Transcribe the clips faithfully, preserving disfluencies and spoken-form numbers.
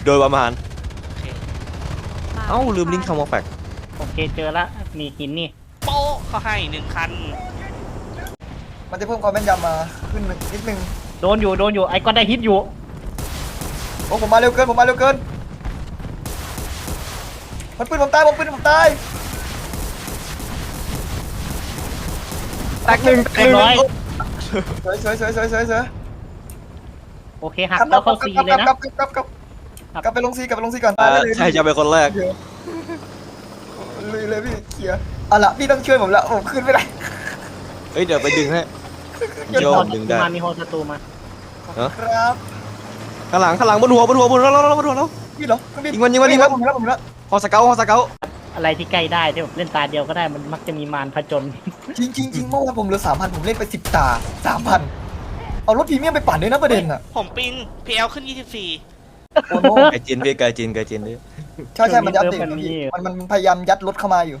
โดยประมาณโอเคเอ้าลืมลิงก์คำว่าแฟกโอเคเจอละมีหินนี่โป๊ะเขาให้หนึ่งคันมันจะเพิ่มความแม่นยำมาขึ้นหนึ่งนิดนึงโดนอยู่โดนอยู่ไอ้ก็ได้ฮิตอยู่โอ้ผมมาเร็วเกินผมมาเร็วเกินมันปืนผมตายผมปืนผมตายแตกหนึ่งเรียบร้อยสวยสวยสวยสวยสวยสวยโอเคหักแล้วเข้าซีเลยนะกลับกลับกลับกลับกลับไปลงซีกลับไปลงซีก่อนอ่าใครจะเป็นคนแรกเลยเลยพี่เคลียร์เอาละพี่ต้องช่วยผมละผมขึ้นไม่ได้เฮ้ยเดี๋ยวไปดึงให้มีโยฮอมศัดึงตรูได้มามีฮอศัตรูมาครับข้างหลังข้างหลังบนหัวบนหัวบนหัวแล้วบนหัวแล้วพี่เหรอพี่ยิงมันยิงมันยิงมันผมแล้วผมแล้วฮอสเกลฮอสเกลอะไรที่ใกล้ได้ที่แบบเล่นตาเดียวก็ได้มันมักจะมีมารผจญจริงจริงจริงเมื่อวานผมเหลือสามพันผมเล่นไปสิบตาสามพันเอารถพรีเมียมไปปั่นด้วยนะประเด็นอ่ะผมปิง พี แอล ขึ้นยี่สิบสี่โอ้โหไกจินพี่ไกจินไกจินดิใช่ใช่มันจะอัปเดตอยู่พี่มันมันพยายามยัดรถเข้ามาอยู่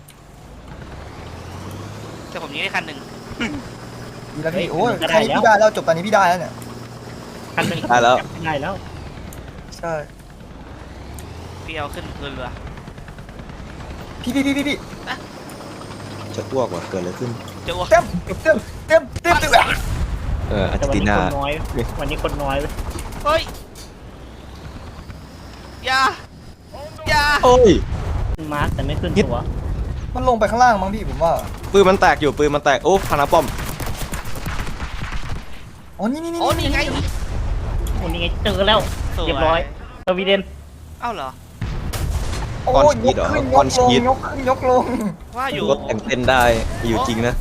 แต่ผมยิงได้คันหนึ่งดีแล้วพี่โอ้ยแค่นี้พี่ได้แล้วจบตอนนี้พี่ได้แล้วเนี่ยคันหนึ่งได้แล้วได้แล้วใช่พี แอล ขึ้นเรือพี่พี่พี่พี่พี่จะอ้วกว่ะเกิดอะไรขึ้นเจอวะเต็มเต็มเต็มเต็มเต็มเต็มเอออาร์เจแต่นวันตินี้นาคนน้อยวันนี้คนน้อยเว้ยเฮ้ยอย่าอย่าโอ้ยมาร์คแต่ไม่ขึ้นตัวมันลงไปข้างล่างมั้งพี่ผมว่าปืนมันแตกอยู่ปืนมันแตกโอ้พานาป้อมอ๋อนี่นี่นี่โอ้นี่ไงโอ้นี่ไงเจอแล้วสวเรียบร้อยสวีเดนเอ้าเหรอโอ้ยยกขึ้นยกลงยกขึ้นยกลงว่าอยู่รถแต่งเต้นได้อยู่จริงนะ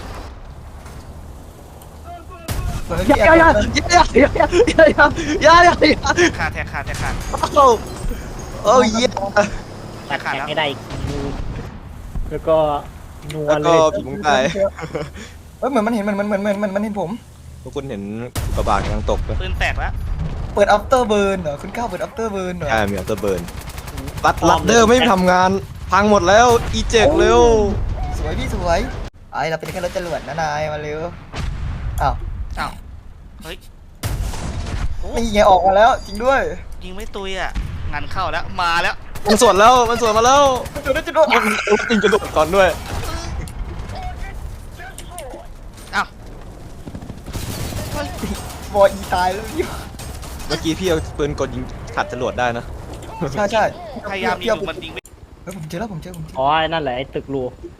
เหมือนพี่แออย่าบอย่าอย่าอย่าอย่าอย่าอย่าอย่าขาดแทกขาดแทกขาดโอ้โอ้ยเยี่ยตัดแขนไม่ได้อีกมือแล้วก็นัวแล้วเลก็ยผีมุ้งตายเอ้ยเหมือนมันเห็นมันมันมันมันมันมันเห็นผมทุกคนเห็นกระบะกำลังตกไหมปืนแตกแล้วเปิด after burn เหรอคุณก้าวเปิด after burn เหรอใช่มีอัลเตอร์เบิร์นรัดรัดเดอร์ไม่ทำงานพังหมดแล้วอีเจ็กเร็วสวยพี่สวยไอเราเป็นแค่รถจรวดนะนายมาเร็วอ้าวอ้าวเฮ้ยโอ้นี่ไงออกมาแล้วจริงด้วยยิงไม่ตุยอ่ะงานเข้าแล้วมาแล้วมันสวนแล้วมันสวนมาแล้วจรวดจรวดมันจริงจะโดดก่อนด้วยอ้าวบอยอีตายแล้วพี่เมื่อกี้พี่เอาปืนกดยิงขัดจรวดได้นะใช่ใช่พยายามยิงอยู่มันยิงไม่เฮ้ยผมเจอแล้วผมเจอผมเจออ๋อนั่นแหละไอ้ตึกรู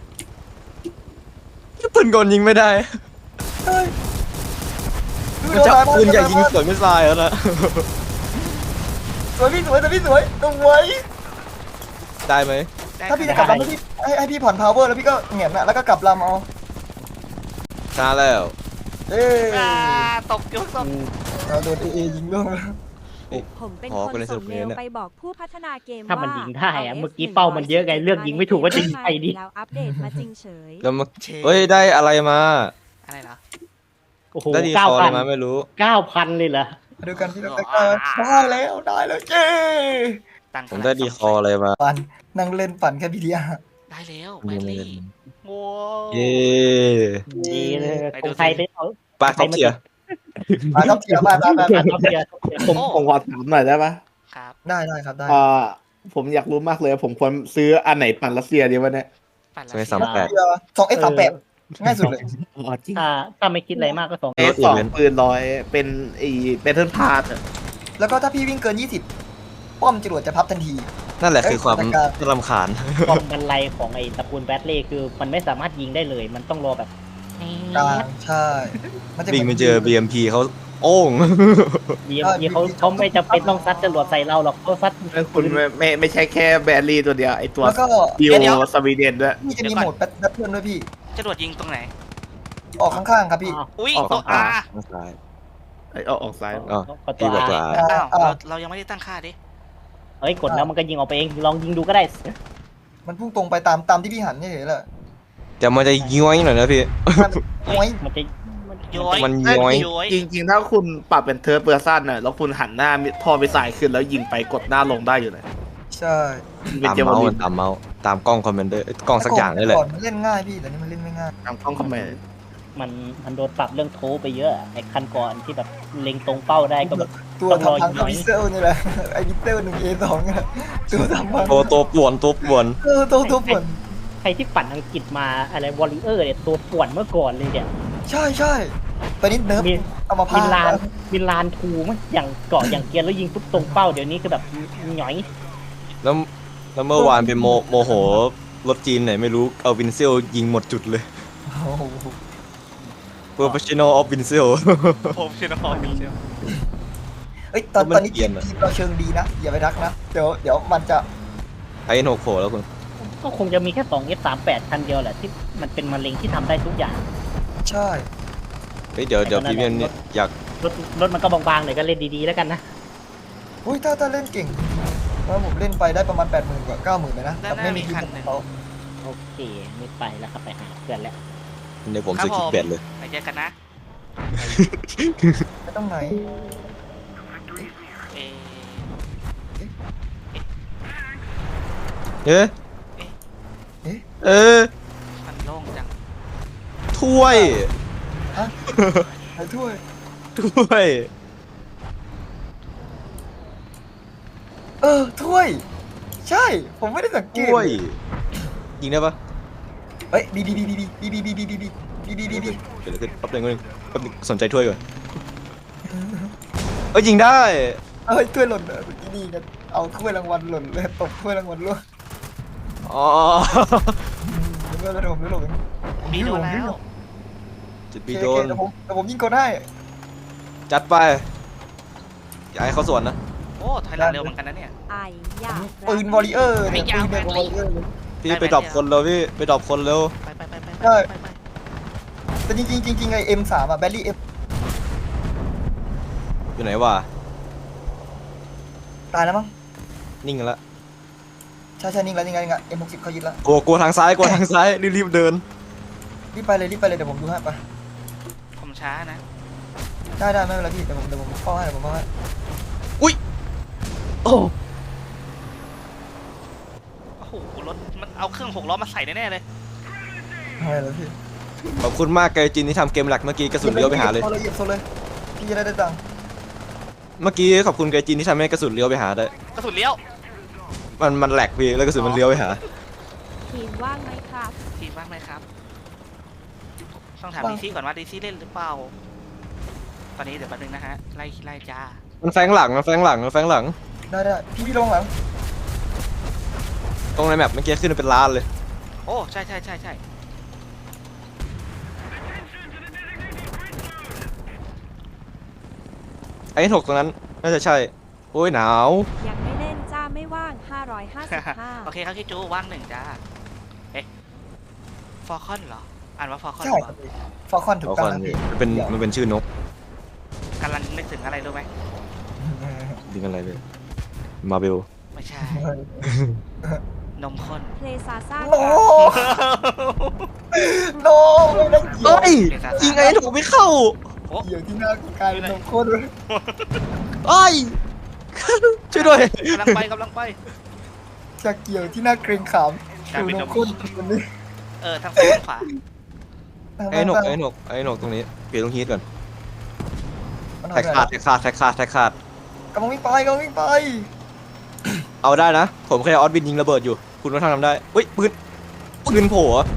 ปืนกลยิงไม่ได้เฮ้ยมันจะเอาปืนใหญ่ยิงสวนไม่ทรายแล้วนะสวยพี่สวยแต่พี่สวยตรงไว้ได้ไหมได้ถ้าพี่จะกลับลำพี่ให้ให้พี่ผ่อน power แล้วพี่ก็เหงียบนะแล้วก็กลับลำเอาชนะแล้วเอ้ยอ่าตกยกตกเราโดนเอเอยิงล่วงแล้วผมเป็นอ๋อคนก็เลยสส่รุงปเมเนี่ยลเนี่ยไปบอกผู้พัฒนาเกมถ้ามันว่ายิงได้อะาเมื่อกี้เป้ามันเยอะไงเลือกยิงไม่ถูกว่าจะยิงใครดีแล้วอัปเดตมาจริงเฉยแล้วมาเฮ้ยได้อะไรมาอะไรเหรอโอ้โหได้ดีเก้าคออะพัไรนมาไม่รู้เก้าพันเลยเหรอดูกันพี่เราได้แล้วได้แล้วเจ้ตังค์ผมได้ดีคออะไรมาปั่นนั่งเล่นปั่นแค่พีเดียได้แล้วไม่แบตเล่ลี่นโว้เย้ดีเลยไปคดูงสิไทยไปเอาปลาท็อปเทียร์มาครับเทียร์มามามาเอาเบียร์ผมผมขอถามหน่อยได้ปะครับได้ได้ครับได้อ่าผมอยากรู้มากเลย ผมควรซื้ออันไหนปั่นรัสเซียดีวะเนี่ยปั่นใช่ไหมแล้วสามแปดสองเอสสามแปดง่ายสุดเลยอ๋อจริงถ้าถ้าไม่คิดอะไรมากก็สองเอสสองปืนร้อยเป็นไอ้เบทเทิลพาร์ทแล้วก็ถ้าพี่วิ่งเกินยี่สิบป้อมจรวดจะพับทันทีนั่นแหละคือความเอ้ยจัดการรำคาญความบันไลของไอ้ตระกูลแบทเล่คือมันไม่สามารถยิงได้เลย มันต้องรอแบบกลางใช่มันจะวิ่งไปเจอ บี เอ็ม พี เขาโอ้งดีดีเขาเขาไม่จำเป็นต้องซัดจรวดใส่เราหรอกเขาซัดคุณไม่ไม่ไม่ใช่แค่แบรลี่ตัวเดียวไอ้ตัวแล้วก็ดิวสวีเดนด้วยนี่จะมีโหมดแบทเทิลด้วยพี่จรวดยิงตรงไหนออกข้างๆครับพี่อ้าวอุ้ยออกตัวข้าอางข้างซ้ายไอ้ออกออกซ้ายอ๋อก็ตัพี่วบอกตัวอาอาอ่าอ้าวอ่าเราเรายังไม่ได้ตั้งค่าดิเฮ้ยกดแล้วมันก็ยิงออกไปเองลองยิงดูก็ได้มันพุ่งตรงไปตามตามที่พี่หันนี่เลยแหละแต่มันจะย้อยหน่อยนะพี่โอ้ยมันจะมันย้อยมันย้อยย้อยจริงๆ ถ้าคุณปรับเป็นเทิร์ดเปอร์ซันน่ะแล้วคุณหันหน้าพอไปสายขึ้นแล้วยิงไปกดหน้าลงได้อยู่เลยใช่เป็นตามเจวเมาส์ลิมัน นตามเมาส์ตามกล้องคอมเมนเดอร์กล้องสักอย่างนี่แหละก่อนมันเล่นง่ายพี่แต่นี่มันเล่นไม่ง่ายตามกล้องคอมเมนต์มันมันโดนปรับเรื่องโทไปเยอะไอ้คันก่อนที่แบบเล็งตรงเป้าได้ก็แบบตัวทำพังกับวิเซลนี่แหละไอ้วิเซลหนึ่งเอสองเนี่ยตัวทำพังตัวตัวป่วนตัวป่วนเออตัวตัวป่วนใครที่ปั่นอังกฤษมาอะไรวอลเลเยอร์เนี่ยตัวป่วนเมื่อก่อนเลยเนี่ยใช่ใช่ตอนนี้เนิร์ฟมีเอามาพามิลานมิลานทูมั้ยอย่างเกาะอย่างเกียร์แล้วยิงปุ๊บตรงเป้าเดี๋ยวนี้คือแบบหน่อยแล้วแล้วเมื่อวานเป็นโมโมโหรถจีนไหนไม่รู้เอาวินเซลยิงหมดจุดเลยโอ้โหเปอร์เฟชชั่นอลออฟวินเซลผมชื่อนครมิเชลเอ้ยตอนมันตอนนี้เกลีทียดมอะทีมเราเชิงดีนะอย่าไปทักนะเดี๋ยวเดี๋ยวมันจะไอ้หกโผล่แล้วคุณก็คงจะมีแค่สอง เอฟ สามสิบแปด คันเดียวแหละที่มันเป็นมะเร็งที่ทำได้ทุกอย่างใช่เฮ้ยเดี๋ยวเดี๋ยวพรีเมียมเนี่ยอยากรถรถมันก็บางๆหน่อยก็เล่นดีๆแล้วกันนะอุ้ยถ้าถ้าเล่นเก่งเพราะผมเล่นไปได้ประมาณแปดหมื่นกว่าเก้าหมื่นเลยนะด้านหน้าไม่มีมีทีคันมหนึ่งเขาโอเคไม่ไปแล้วครับไปหาเพื่อนแล้วเดี๋ยวผมซื้อคิกแบดเลยไปเจอกันนะไม่ต้องไหนเอเอ๊ะเอ๊ะเออมันโล่งจังถ้วยฮะไหนถ้วยถ้วยเออถ้วย ใช่ ผมไม่ได้สังเกตถ้วยยิงได้ปะเฮ้ยบีบีบีบีบีบีบีบีบีบีบีบีบีบีเดี๋ยวขึ้นแป๊บนึงแป๊บนึงแป๊บนึงสนใจถ้วยก่อนเอ้ยยิงได้เอ้ยถ้วยหล่นเลยเมื่อกี้นี่กันเอาถ้วยรางวัลหล่นเลยตกถ้วยรางวัลล่วงอ๋อเดี๋ยวเดี๋ยวผมเดี๋ยวผมมีโดนแล้วจุดโอบีเคโดโอเคน เดี๋ยวผมเดี๋ยวผมยิงกดให้จัดไปอย่าให้เขาสวนนะโอ้ถอยหลังเร็วเหมือนกันนะเนี่ยไออยากปืนวอริเออร์เนี่ยไม่ปืยาน วเดียวกับวอริเออร์เลยพี่ได้ไปไหมดรอปเนี่ยคนเร็วพี่ไปดรอปคนเร็วไปไปไปไปได้ไปไปแต่จริงๆจริงๆไอเอ็มสามอะแบลลี่เอ็มอยู่ไหนวะตายแล้วมั้งนิ่งกันละใช่ใช่นิ่งแล้วนิ่งแล้วนิ่งแล้วเอ็มหกสิบเขายึดแล้วกลัวกลัวทางซ้ายกลัวทางซ้ายรีบๆเดินรีบไปเลยรีบไปเลยเดี๋ยวผมดูให้ไปผมช้านะได้ได้ไม่เป็นไรพี่เดี๋ยวผมเดี๋ยวผมเข้าให้เดี๋ยวผมเข้าให้โอ้โอ้โหรถมันเอาเครื่องหกล้อมาใส่แน่ๆเลยไม่แล้วพี่ขอบคุณมากไกจินที่ทำเกมหลักเมื่อกี้กระสุนเลี้ยวไปหาเลยโซเลยเหยียบโซเลยพี่จะได้ได้ตังค์เมื่อกี้ขอบคุณไกจินที่ทำให้กระสุนเลี้ยวไปหาได้กระสุนเลี้ยวมันมันแหลกพี่แล้วกระสุนมันเลี้ยวไปหาทีมว่างไหมครับทีมบ้างไหมครับ ต้องถามดีซี่ก่อนว่าดีซี่เล่นหรือเปล่า ตอนนี้เดี๋ยวแป๊บนึงนะฮะ ไล่ไล่จ้ามันแฝงหลังมันแฝงหลังมันแฝงหลังได้ได้พี่พี่ลงหลังตรงในแมปเมื่อกี้ขึ้นเป็นล้านเลยโอ้ใช่ใช่ใช่ใช่ไอ้ถกตรงนั้นน่าจะใช่โอ้ยหนาวยังไม่เล่นจ้าไม่ว่าง ห้าร้อยห้าสิบห้าโอเคครับพี่จูว่างหนึ่งจ้า เอ๊ะฟอร์คอนเหรอ อ่านว่าฟอร์คอนใช่เหรครัอบพี่ฟอลคอนถูกเอาต้อคงนนะพี่มันเป็นมันเป็นชื่อนกกำลังนึกถึงอะไรรู้ไหมดึงอะไรเลยมาเบลไม่ใช่ นมข้นเพลซาซ่าโนโนไม่ได้เกี่ยวเฮ้ยยิงไอ้ถกไม่เข้าโอ้เกี่ยวที่หน้ากลายเป็นนมข้นเลยเอ้ย ช่วยด้วยกำลังไปกำลังไปจะเกี่ยวที่หน้าเกรงขามกลายเป็นนนมมข้นคนนี้เออทางซ้ายทางขวาไอ้หนกไอ้หนกไอ้หนกตรงนี้เปลี่ยนตรงฮีทก่อนมันแท็กทำขาอะดไรแท็กขาดแท็กขาดแท็กขาดกำลังวิ่งไปกำลังวิ่งไปเอาได้นะ ผมแค่ออสบินยิงระเบิดอยู่ คุณก็ทำทำได้เฮ้ยปืนปืนโผล่เหรอ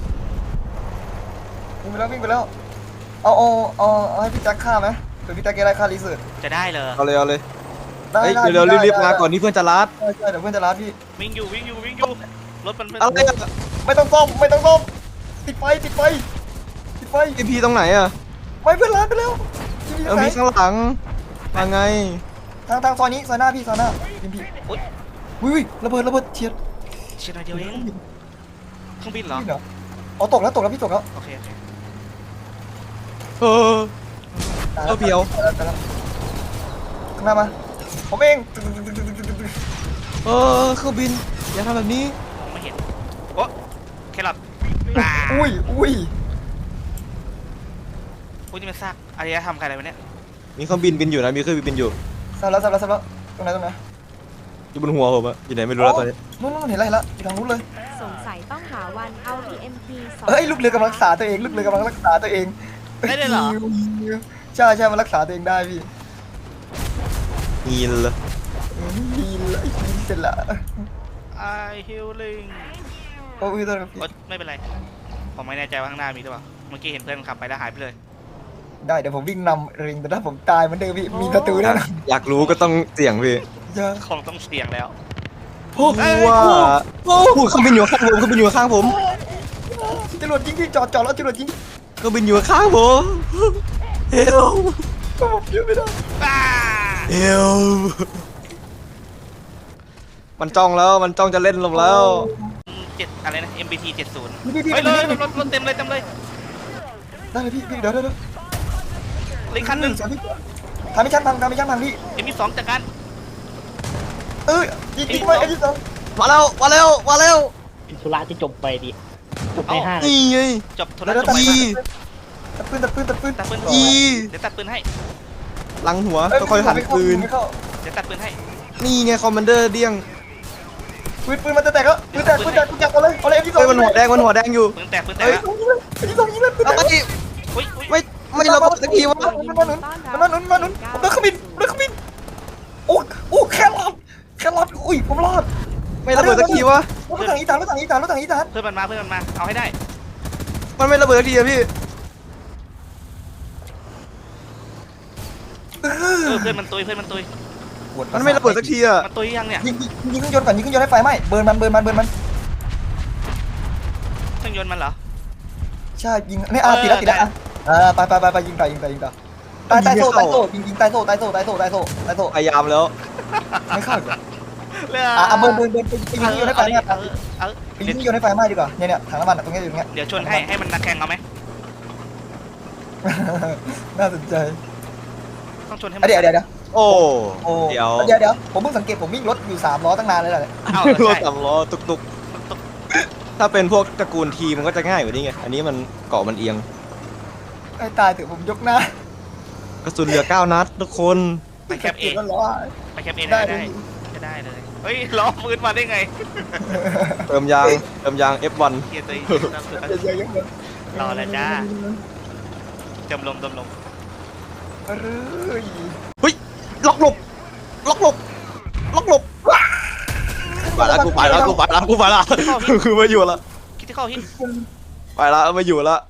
วิ่งไปแล้ววิ่งไปแล้วเอาเอาเอาเอาให้พี่แจ็คฆ่าไหมเดี๋ยวพี่แจ็คแกได้ฆ่ารีเสิร์ชจะได้เลยเอาเลยเอาเลยได้เฮ้ยได้เร็วได้ๆรีบๆได้มาก่อนที่เพื่อนจะลัดใช่ใช่เดี๋ยวเพื่อนจะรัดพี่วิ่งอยู่วิ่งอยู่วิ่งอยู่ รถมันเป็นอะไรอะไม่ต้องซ่อมไม่ต้องซ่อมติดไฟติดไฟติดไฟไอพีตรงไหนอะไม่เพื่อนรัดไปแล้วพี่พี่เออไหนมีข้างหลังมาไงทางทางซอยนี้ซอยหน้าพี่ซอยหน้าพี่พี่อุ๊ยอุ้ยระเบิดระเบิดเฉียดเชียร์หน่อยเดียวเองเครื่องบินเหรอพี่เหรออ๋อตกแล้วตกแล้วพี่ตกแล้วโอเคโอเคเออตายเออเพียวตายแล้วตายแล้วข้างหน้ามาผมเองเออเครื่องบินอย่าทำแบบนี้มองไม่เห็น โอ้แครอทอ่าอุ้ยอุ้ยอุ้ยนี่มันซากอารยธรรมใครอะไรวะเนี่ยมีเครื่องบินบินอยู่นะมีเครื่องบินบินอยู่สับแล้วสับแล้วสับแล้วตรงไหนตรงไหนอยู่บนหัวผมอะอยู่ไหนไม่รู้แล้วตอนนี้นู่นนู่นเห็นอะไรละอยู่ทางนู้นเลยสงสัยต้องหาวันเอา ที เอ็ม พี สองเอ้ยลูกเรือกำลังรักษาตัวเองลูกเรือกำลังรักษาตัวเองได้เลยเหรอใช่ใช่มันรักษาตัวเองได้พี่ยินเลยดีเลยดีเสร็จละไอฮิลลิงโอ้ยตอนนี้ไม่เป็นไรผมไม่แน่ใจว่าข้างหน้ามีหรือเปล่าเมื่อกี้เห็นเพื่อนขับไปแล้วหายไปเลยได้เดี๋ยวผมวิ่งนำริงแต่ถ้าผมตายเหมันเดิมพี่มีประตูแน่นอนอยากรู้ก็ต้องเสี่ยงพี่อย่าคงต้องเสี่ยงแล้วพวกว่าพูดเครื่องบินอยู่ข้างผมเครื่องบินอยู่ข้างผมจรวดยิงที่จอดจอดแล้วจรวดยิงเครื่องบินอยู่ข้างผมเฮลเยอะไม่ได้อ้าเฮลมันจ้องแล้วมันจ้องจะเล่นลมแล้วเจ็ดอะไรนะ เอ็ม บี ที เจ็ดสิบพี่พี่พี่เฮ้ยได้รเลยถรถรถเต็มเลยเต็มเลยได้เลยพี่พี่เดี๋ยวเดี๋ยวเดี๋ยวเหลยคันหนึ่งสามพี่ทำไม่ชั้นพังทำไม่ชั้นพังพี่เอ็ม บี สองจากการเออยิงยิงไว้ไอ้ที่สองมาแล้วมาแล้วมาแล้วอิสุระที่จบไปดิจบในห้างนี่ไงจบโทรเดี๋ยวศัพตัดท์ปืนตัดปืนตัดปืนตัดปืนตัดปืนอีเดี๋ยวตัดปืนให้หลังหัวค่อยๆหันปืนไม่เข้าเดี๋ยวตัดปืนให้นี่ไงคอมมานเดอร์เดี้ยงปืนปืนมันจะแตกแล้วปืนแตกปืนแตกปืนแตกเอาเลยเอาเลยไอ้ที่สองเฮ้ยมันหัวแดงมันหัวแดงอยู่ปืนแตกปืนแตกเฮ้ยแล้วไอ้ที่สองยิงเลยปืนแตแล้วกก็อุ้ยอุ้ยไม่ไม่ระเบิดสักทีวะมันมาหนุนมันมาหนุนมาหนุนผมเดินขมินเดินขมินโอ้โอ้แครอทแครอทอุ้ยผมรอดไม่ระเบิดสักทีวะรถถังอีสานรถถังอีสานรถถังอีสานเพื่อนมันมาเพื่อนมันมาเอาให้ได้มันไม่ระเบิดสักทีอะพี่เออเพื่อนมันตุยเพื่อนมันตุยมันไม่ระเบิดสักทีอะมันตุยยังเนี่ยยิงยิงเครื่องยนต์ก่อนยิงเครื่องยนต์ให้ไฟไหม้เบิร์นมันเบิร์นมันเบิร์นมันเครื่องยนต์มันเหรอใช่ยิงนี่อ่ะติดแล้วติดแล้วอ่ะอ่าไปไปไปไปยิงต่อยิงต่อยิงต่อตายตายโซ่ตายโซ่ยิงยิงตายโซ่ตายโซ่ตายโซ่ตายโซ่ตายโซ่พยายามแล้วไม่เข้าอีกเหรอเรื่องอ่ะเบิร์นเบิร์นเบิร์นไปยิงเครื่องยนต์ให้ไฟไหม้เออเออไปยิงเครื่องยนต์ให้ไฟไหม้ดีกว่าเนี่ยเนี่ยถังน้ำมันตรงนี้อยู่ตรงเนี้ยเดี๋ยวชนให้ให้มันนักแข่งเอาไหมน่าสนใจต้องชนให้มันเดี๋ยวเดี๋ยวเดี๋ยวโอ้โอ้เดี๋ยวเดี๋ยวเดี๋ยวผมเพิ่งสังเกตผมวิ่งรถอยู่สามล้อตั้งนานเลยแหละเอารถใช่สามล้อตุกตุกถ้าเป็นพวกตระกูลทีมันก็จะง่ายกว่านี้ไงอันนี้มันเกาะมันเอียงไอ้ตายเถอะผมยกหน้ากระสุนเหลือเก้านัดทุกคนไปแคปเอเก็บแล้วล้อไปแคปเอได้ได้ได้ได้จะได้เลยเฮ้ยล้อมืนมาได้ไงเติมยางเติมยาง เอฟ วันเกียร์ตัวเองเยอะๆเยอะรอแล้วจ้าจมลมจมลมเอ้ยเฮ้ยล็อกหลบล็อกหลบล็อกหลบไปแล้วกูไปแล้วกูไปแล้วกูไปแล้วคือไม่อยู่ละคิดที่เข้าฮิตไปแล้วไม่อยู่ละ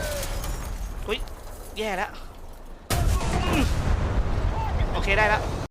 อุ้ยแย่แล้วโอเคได้แล้ว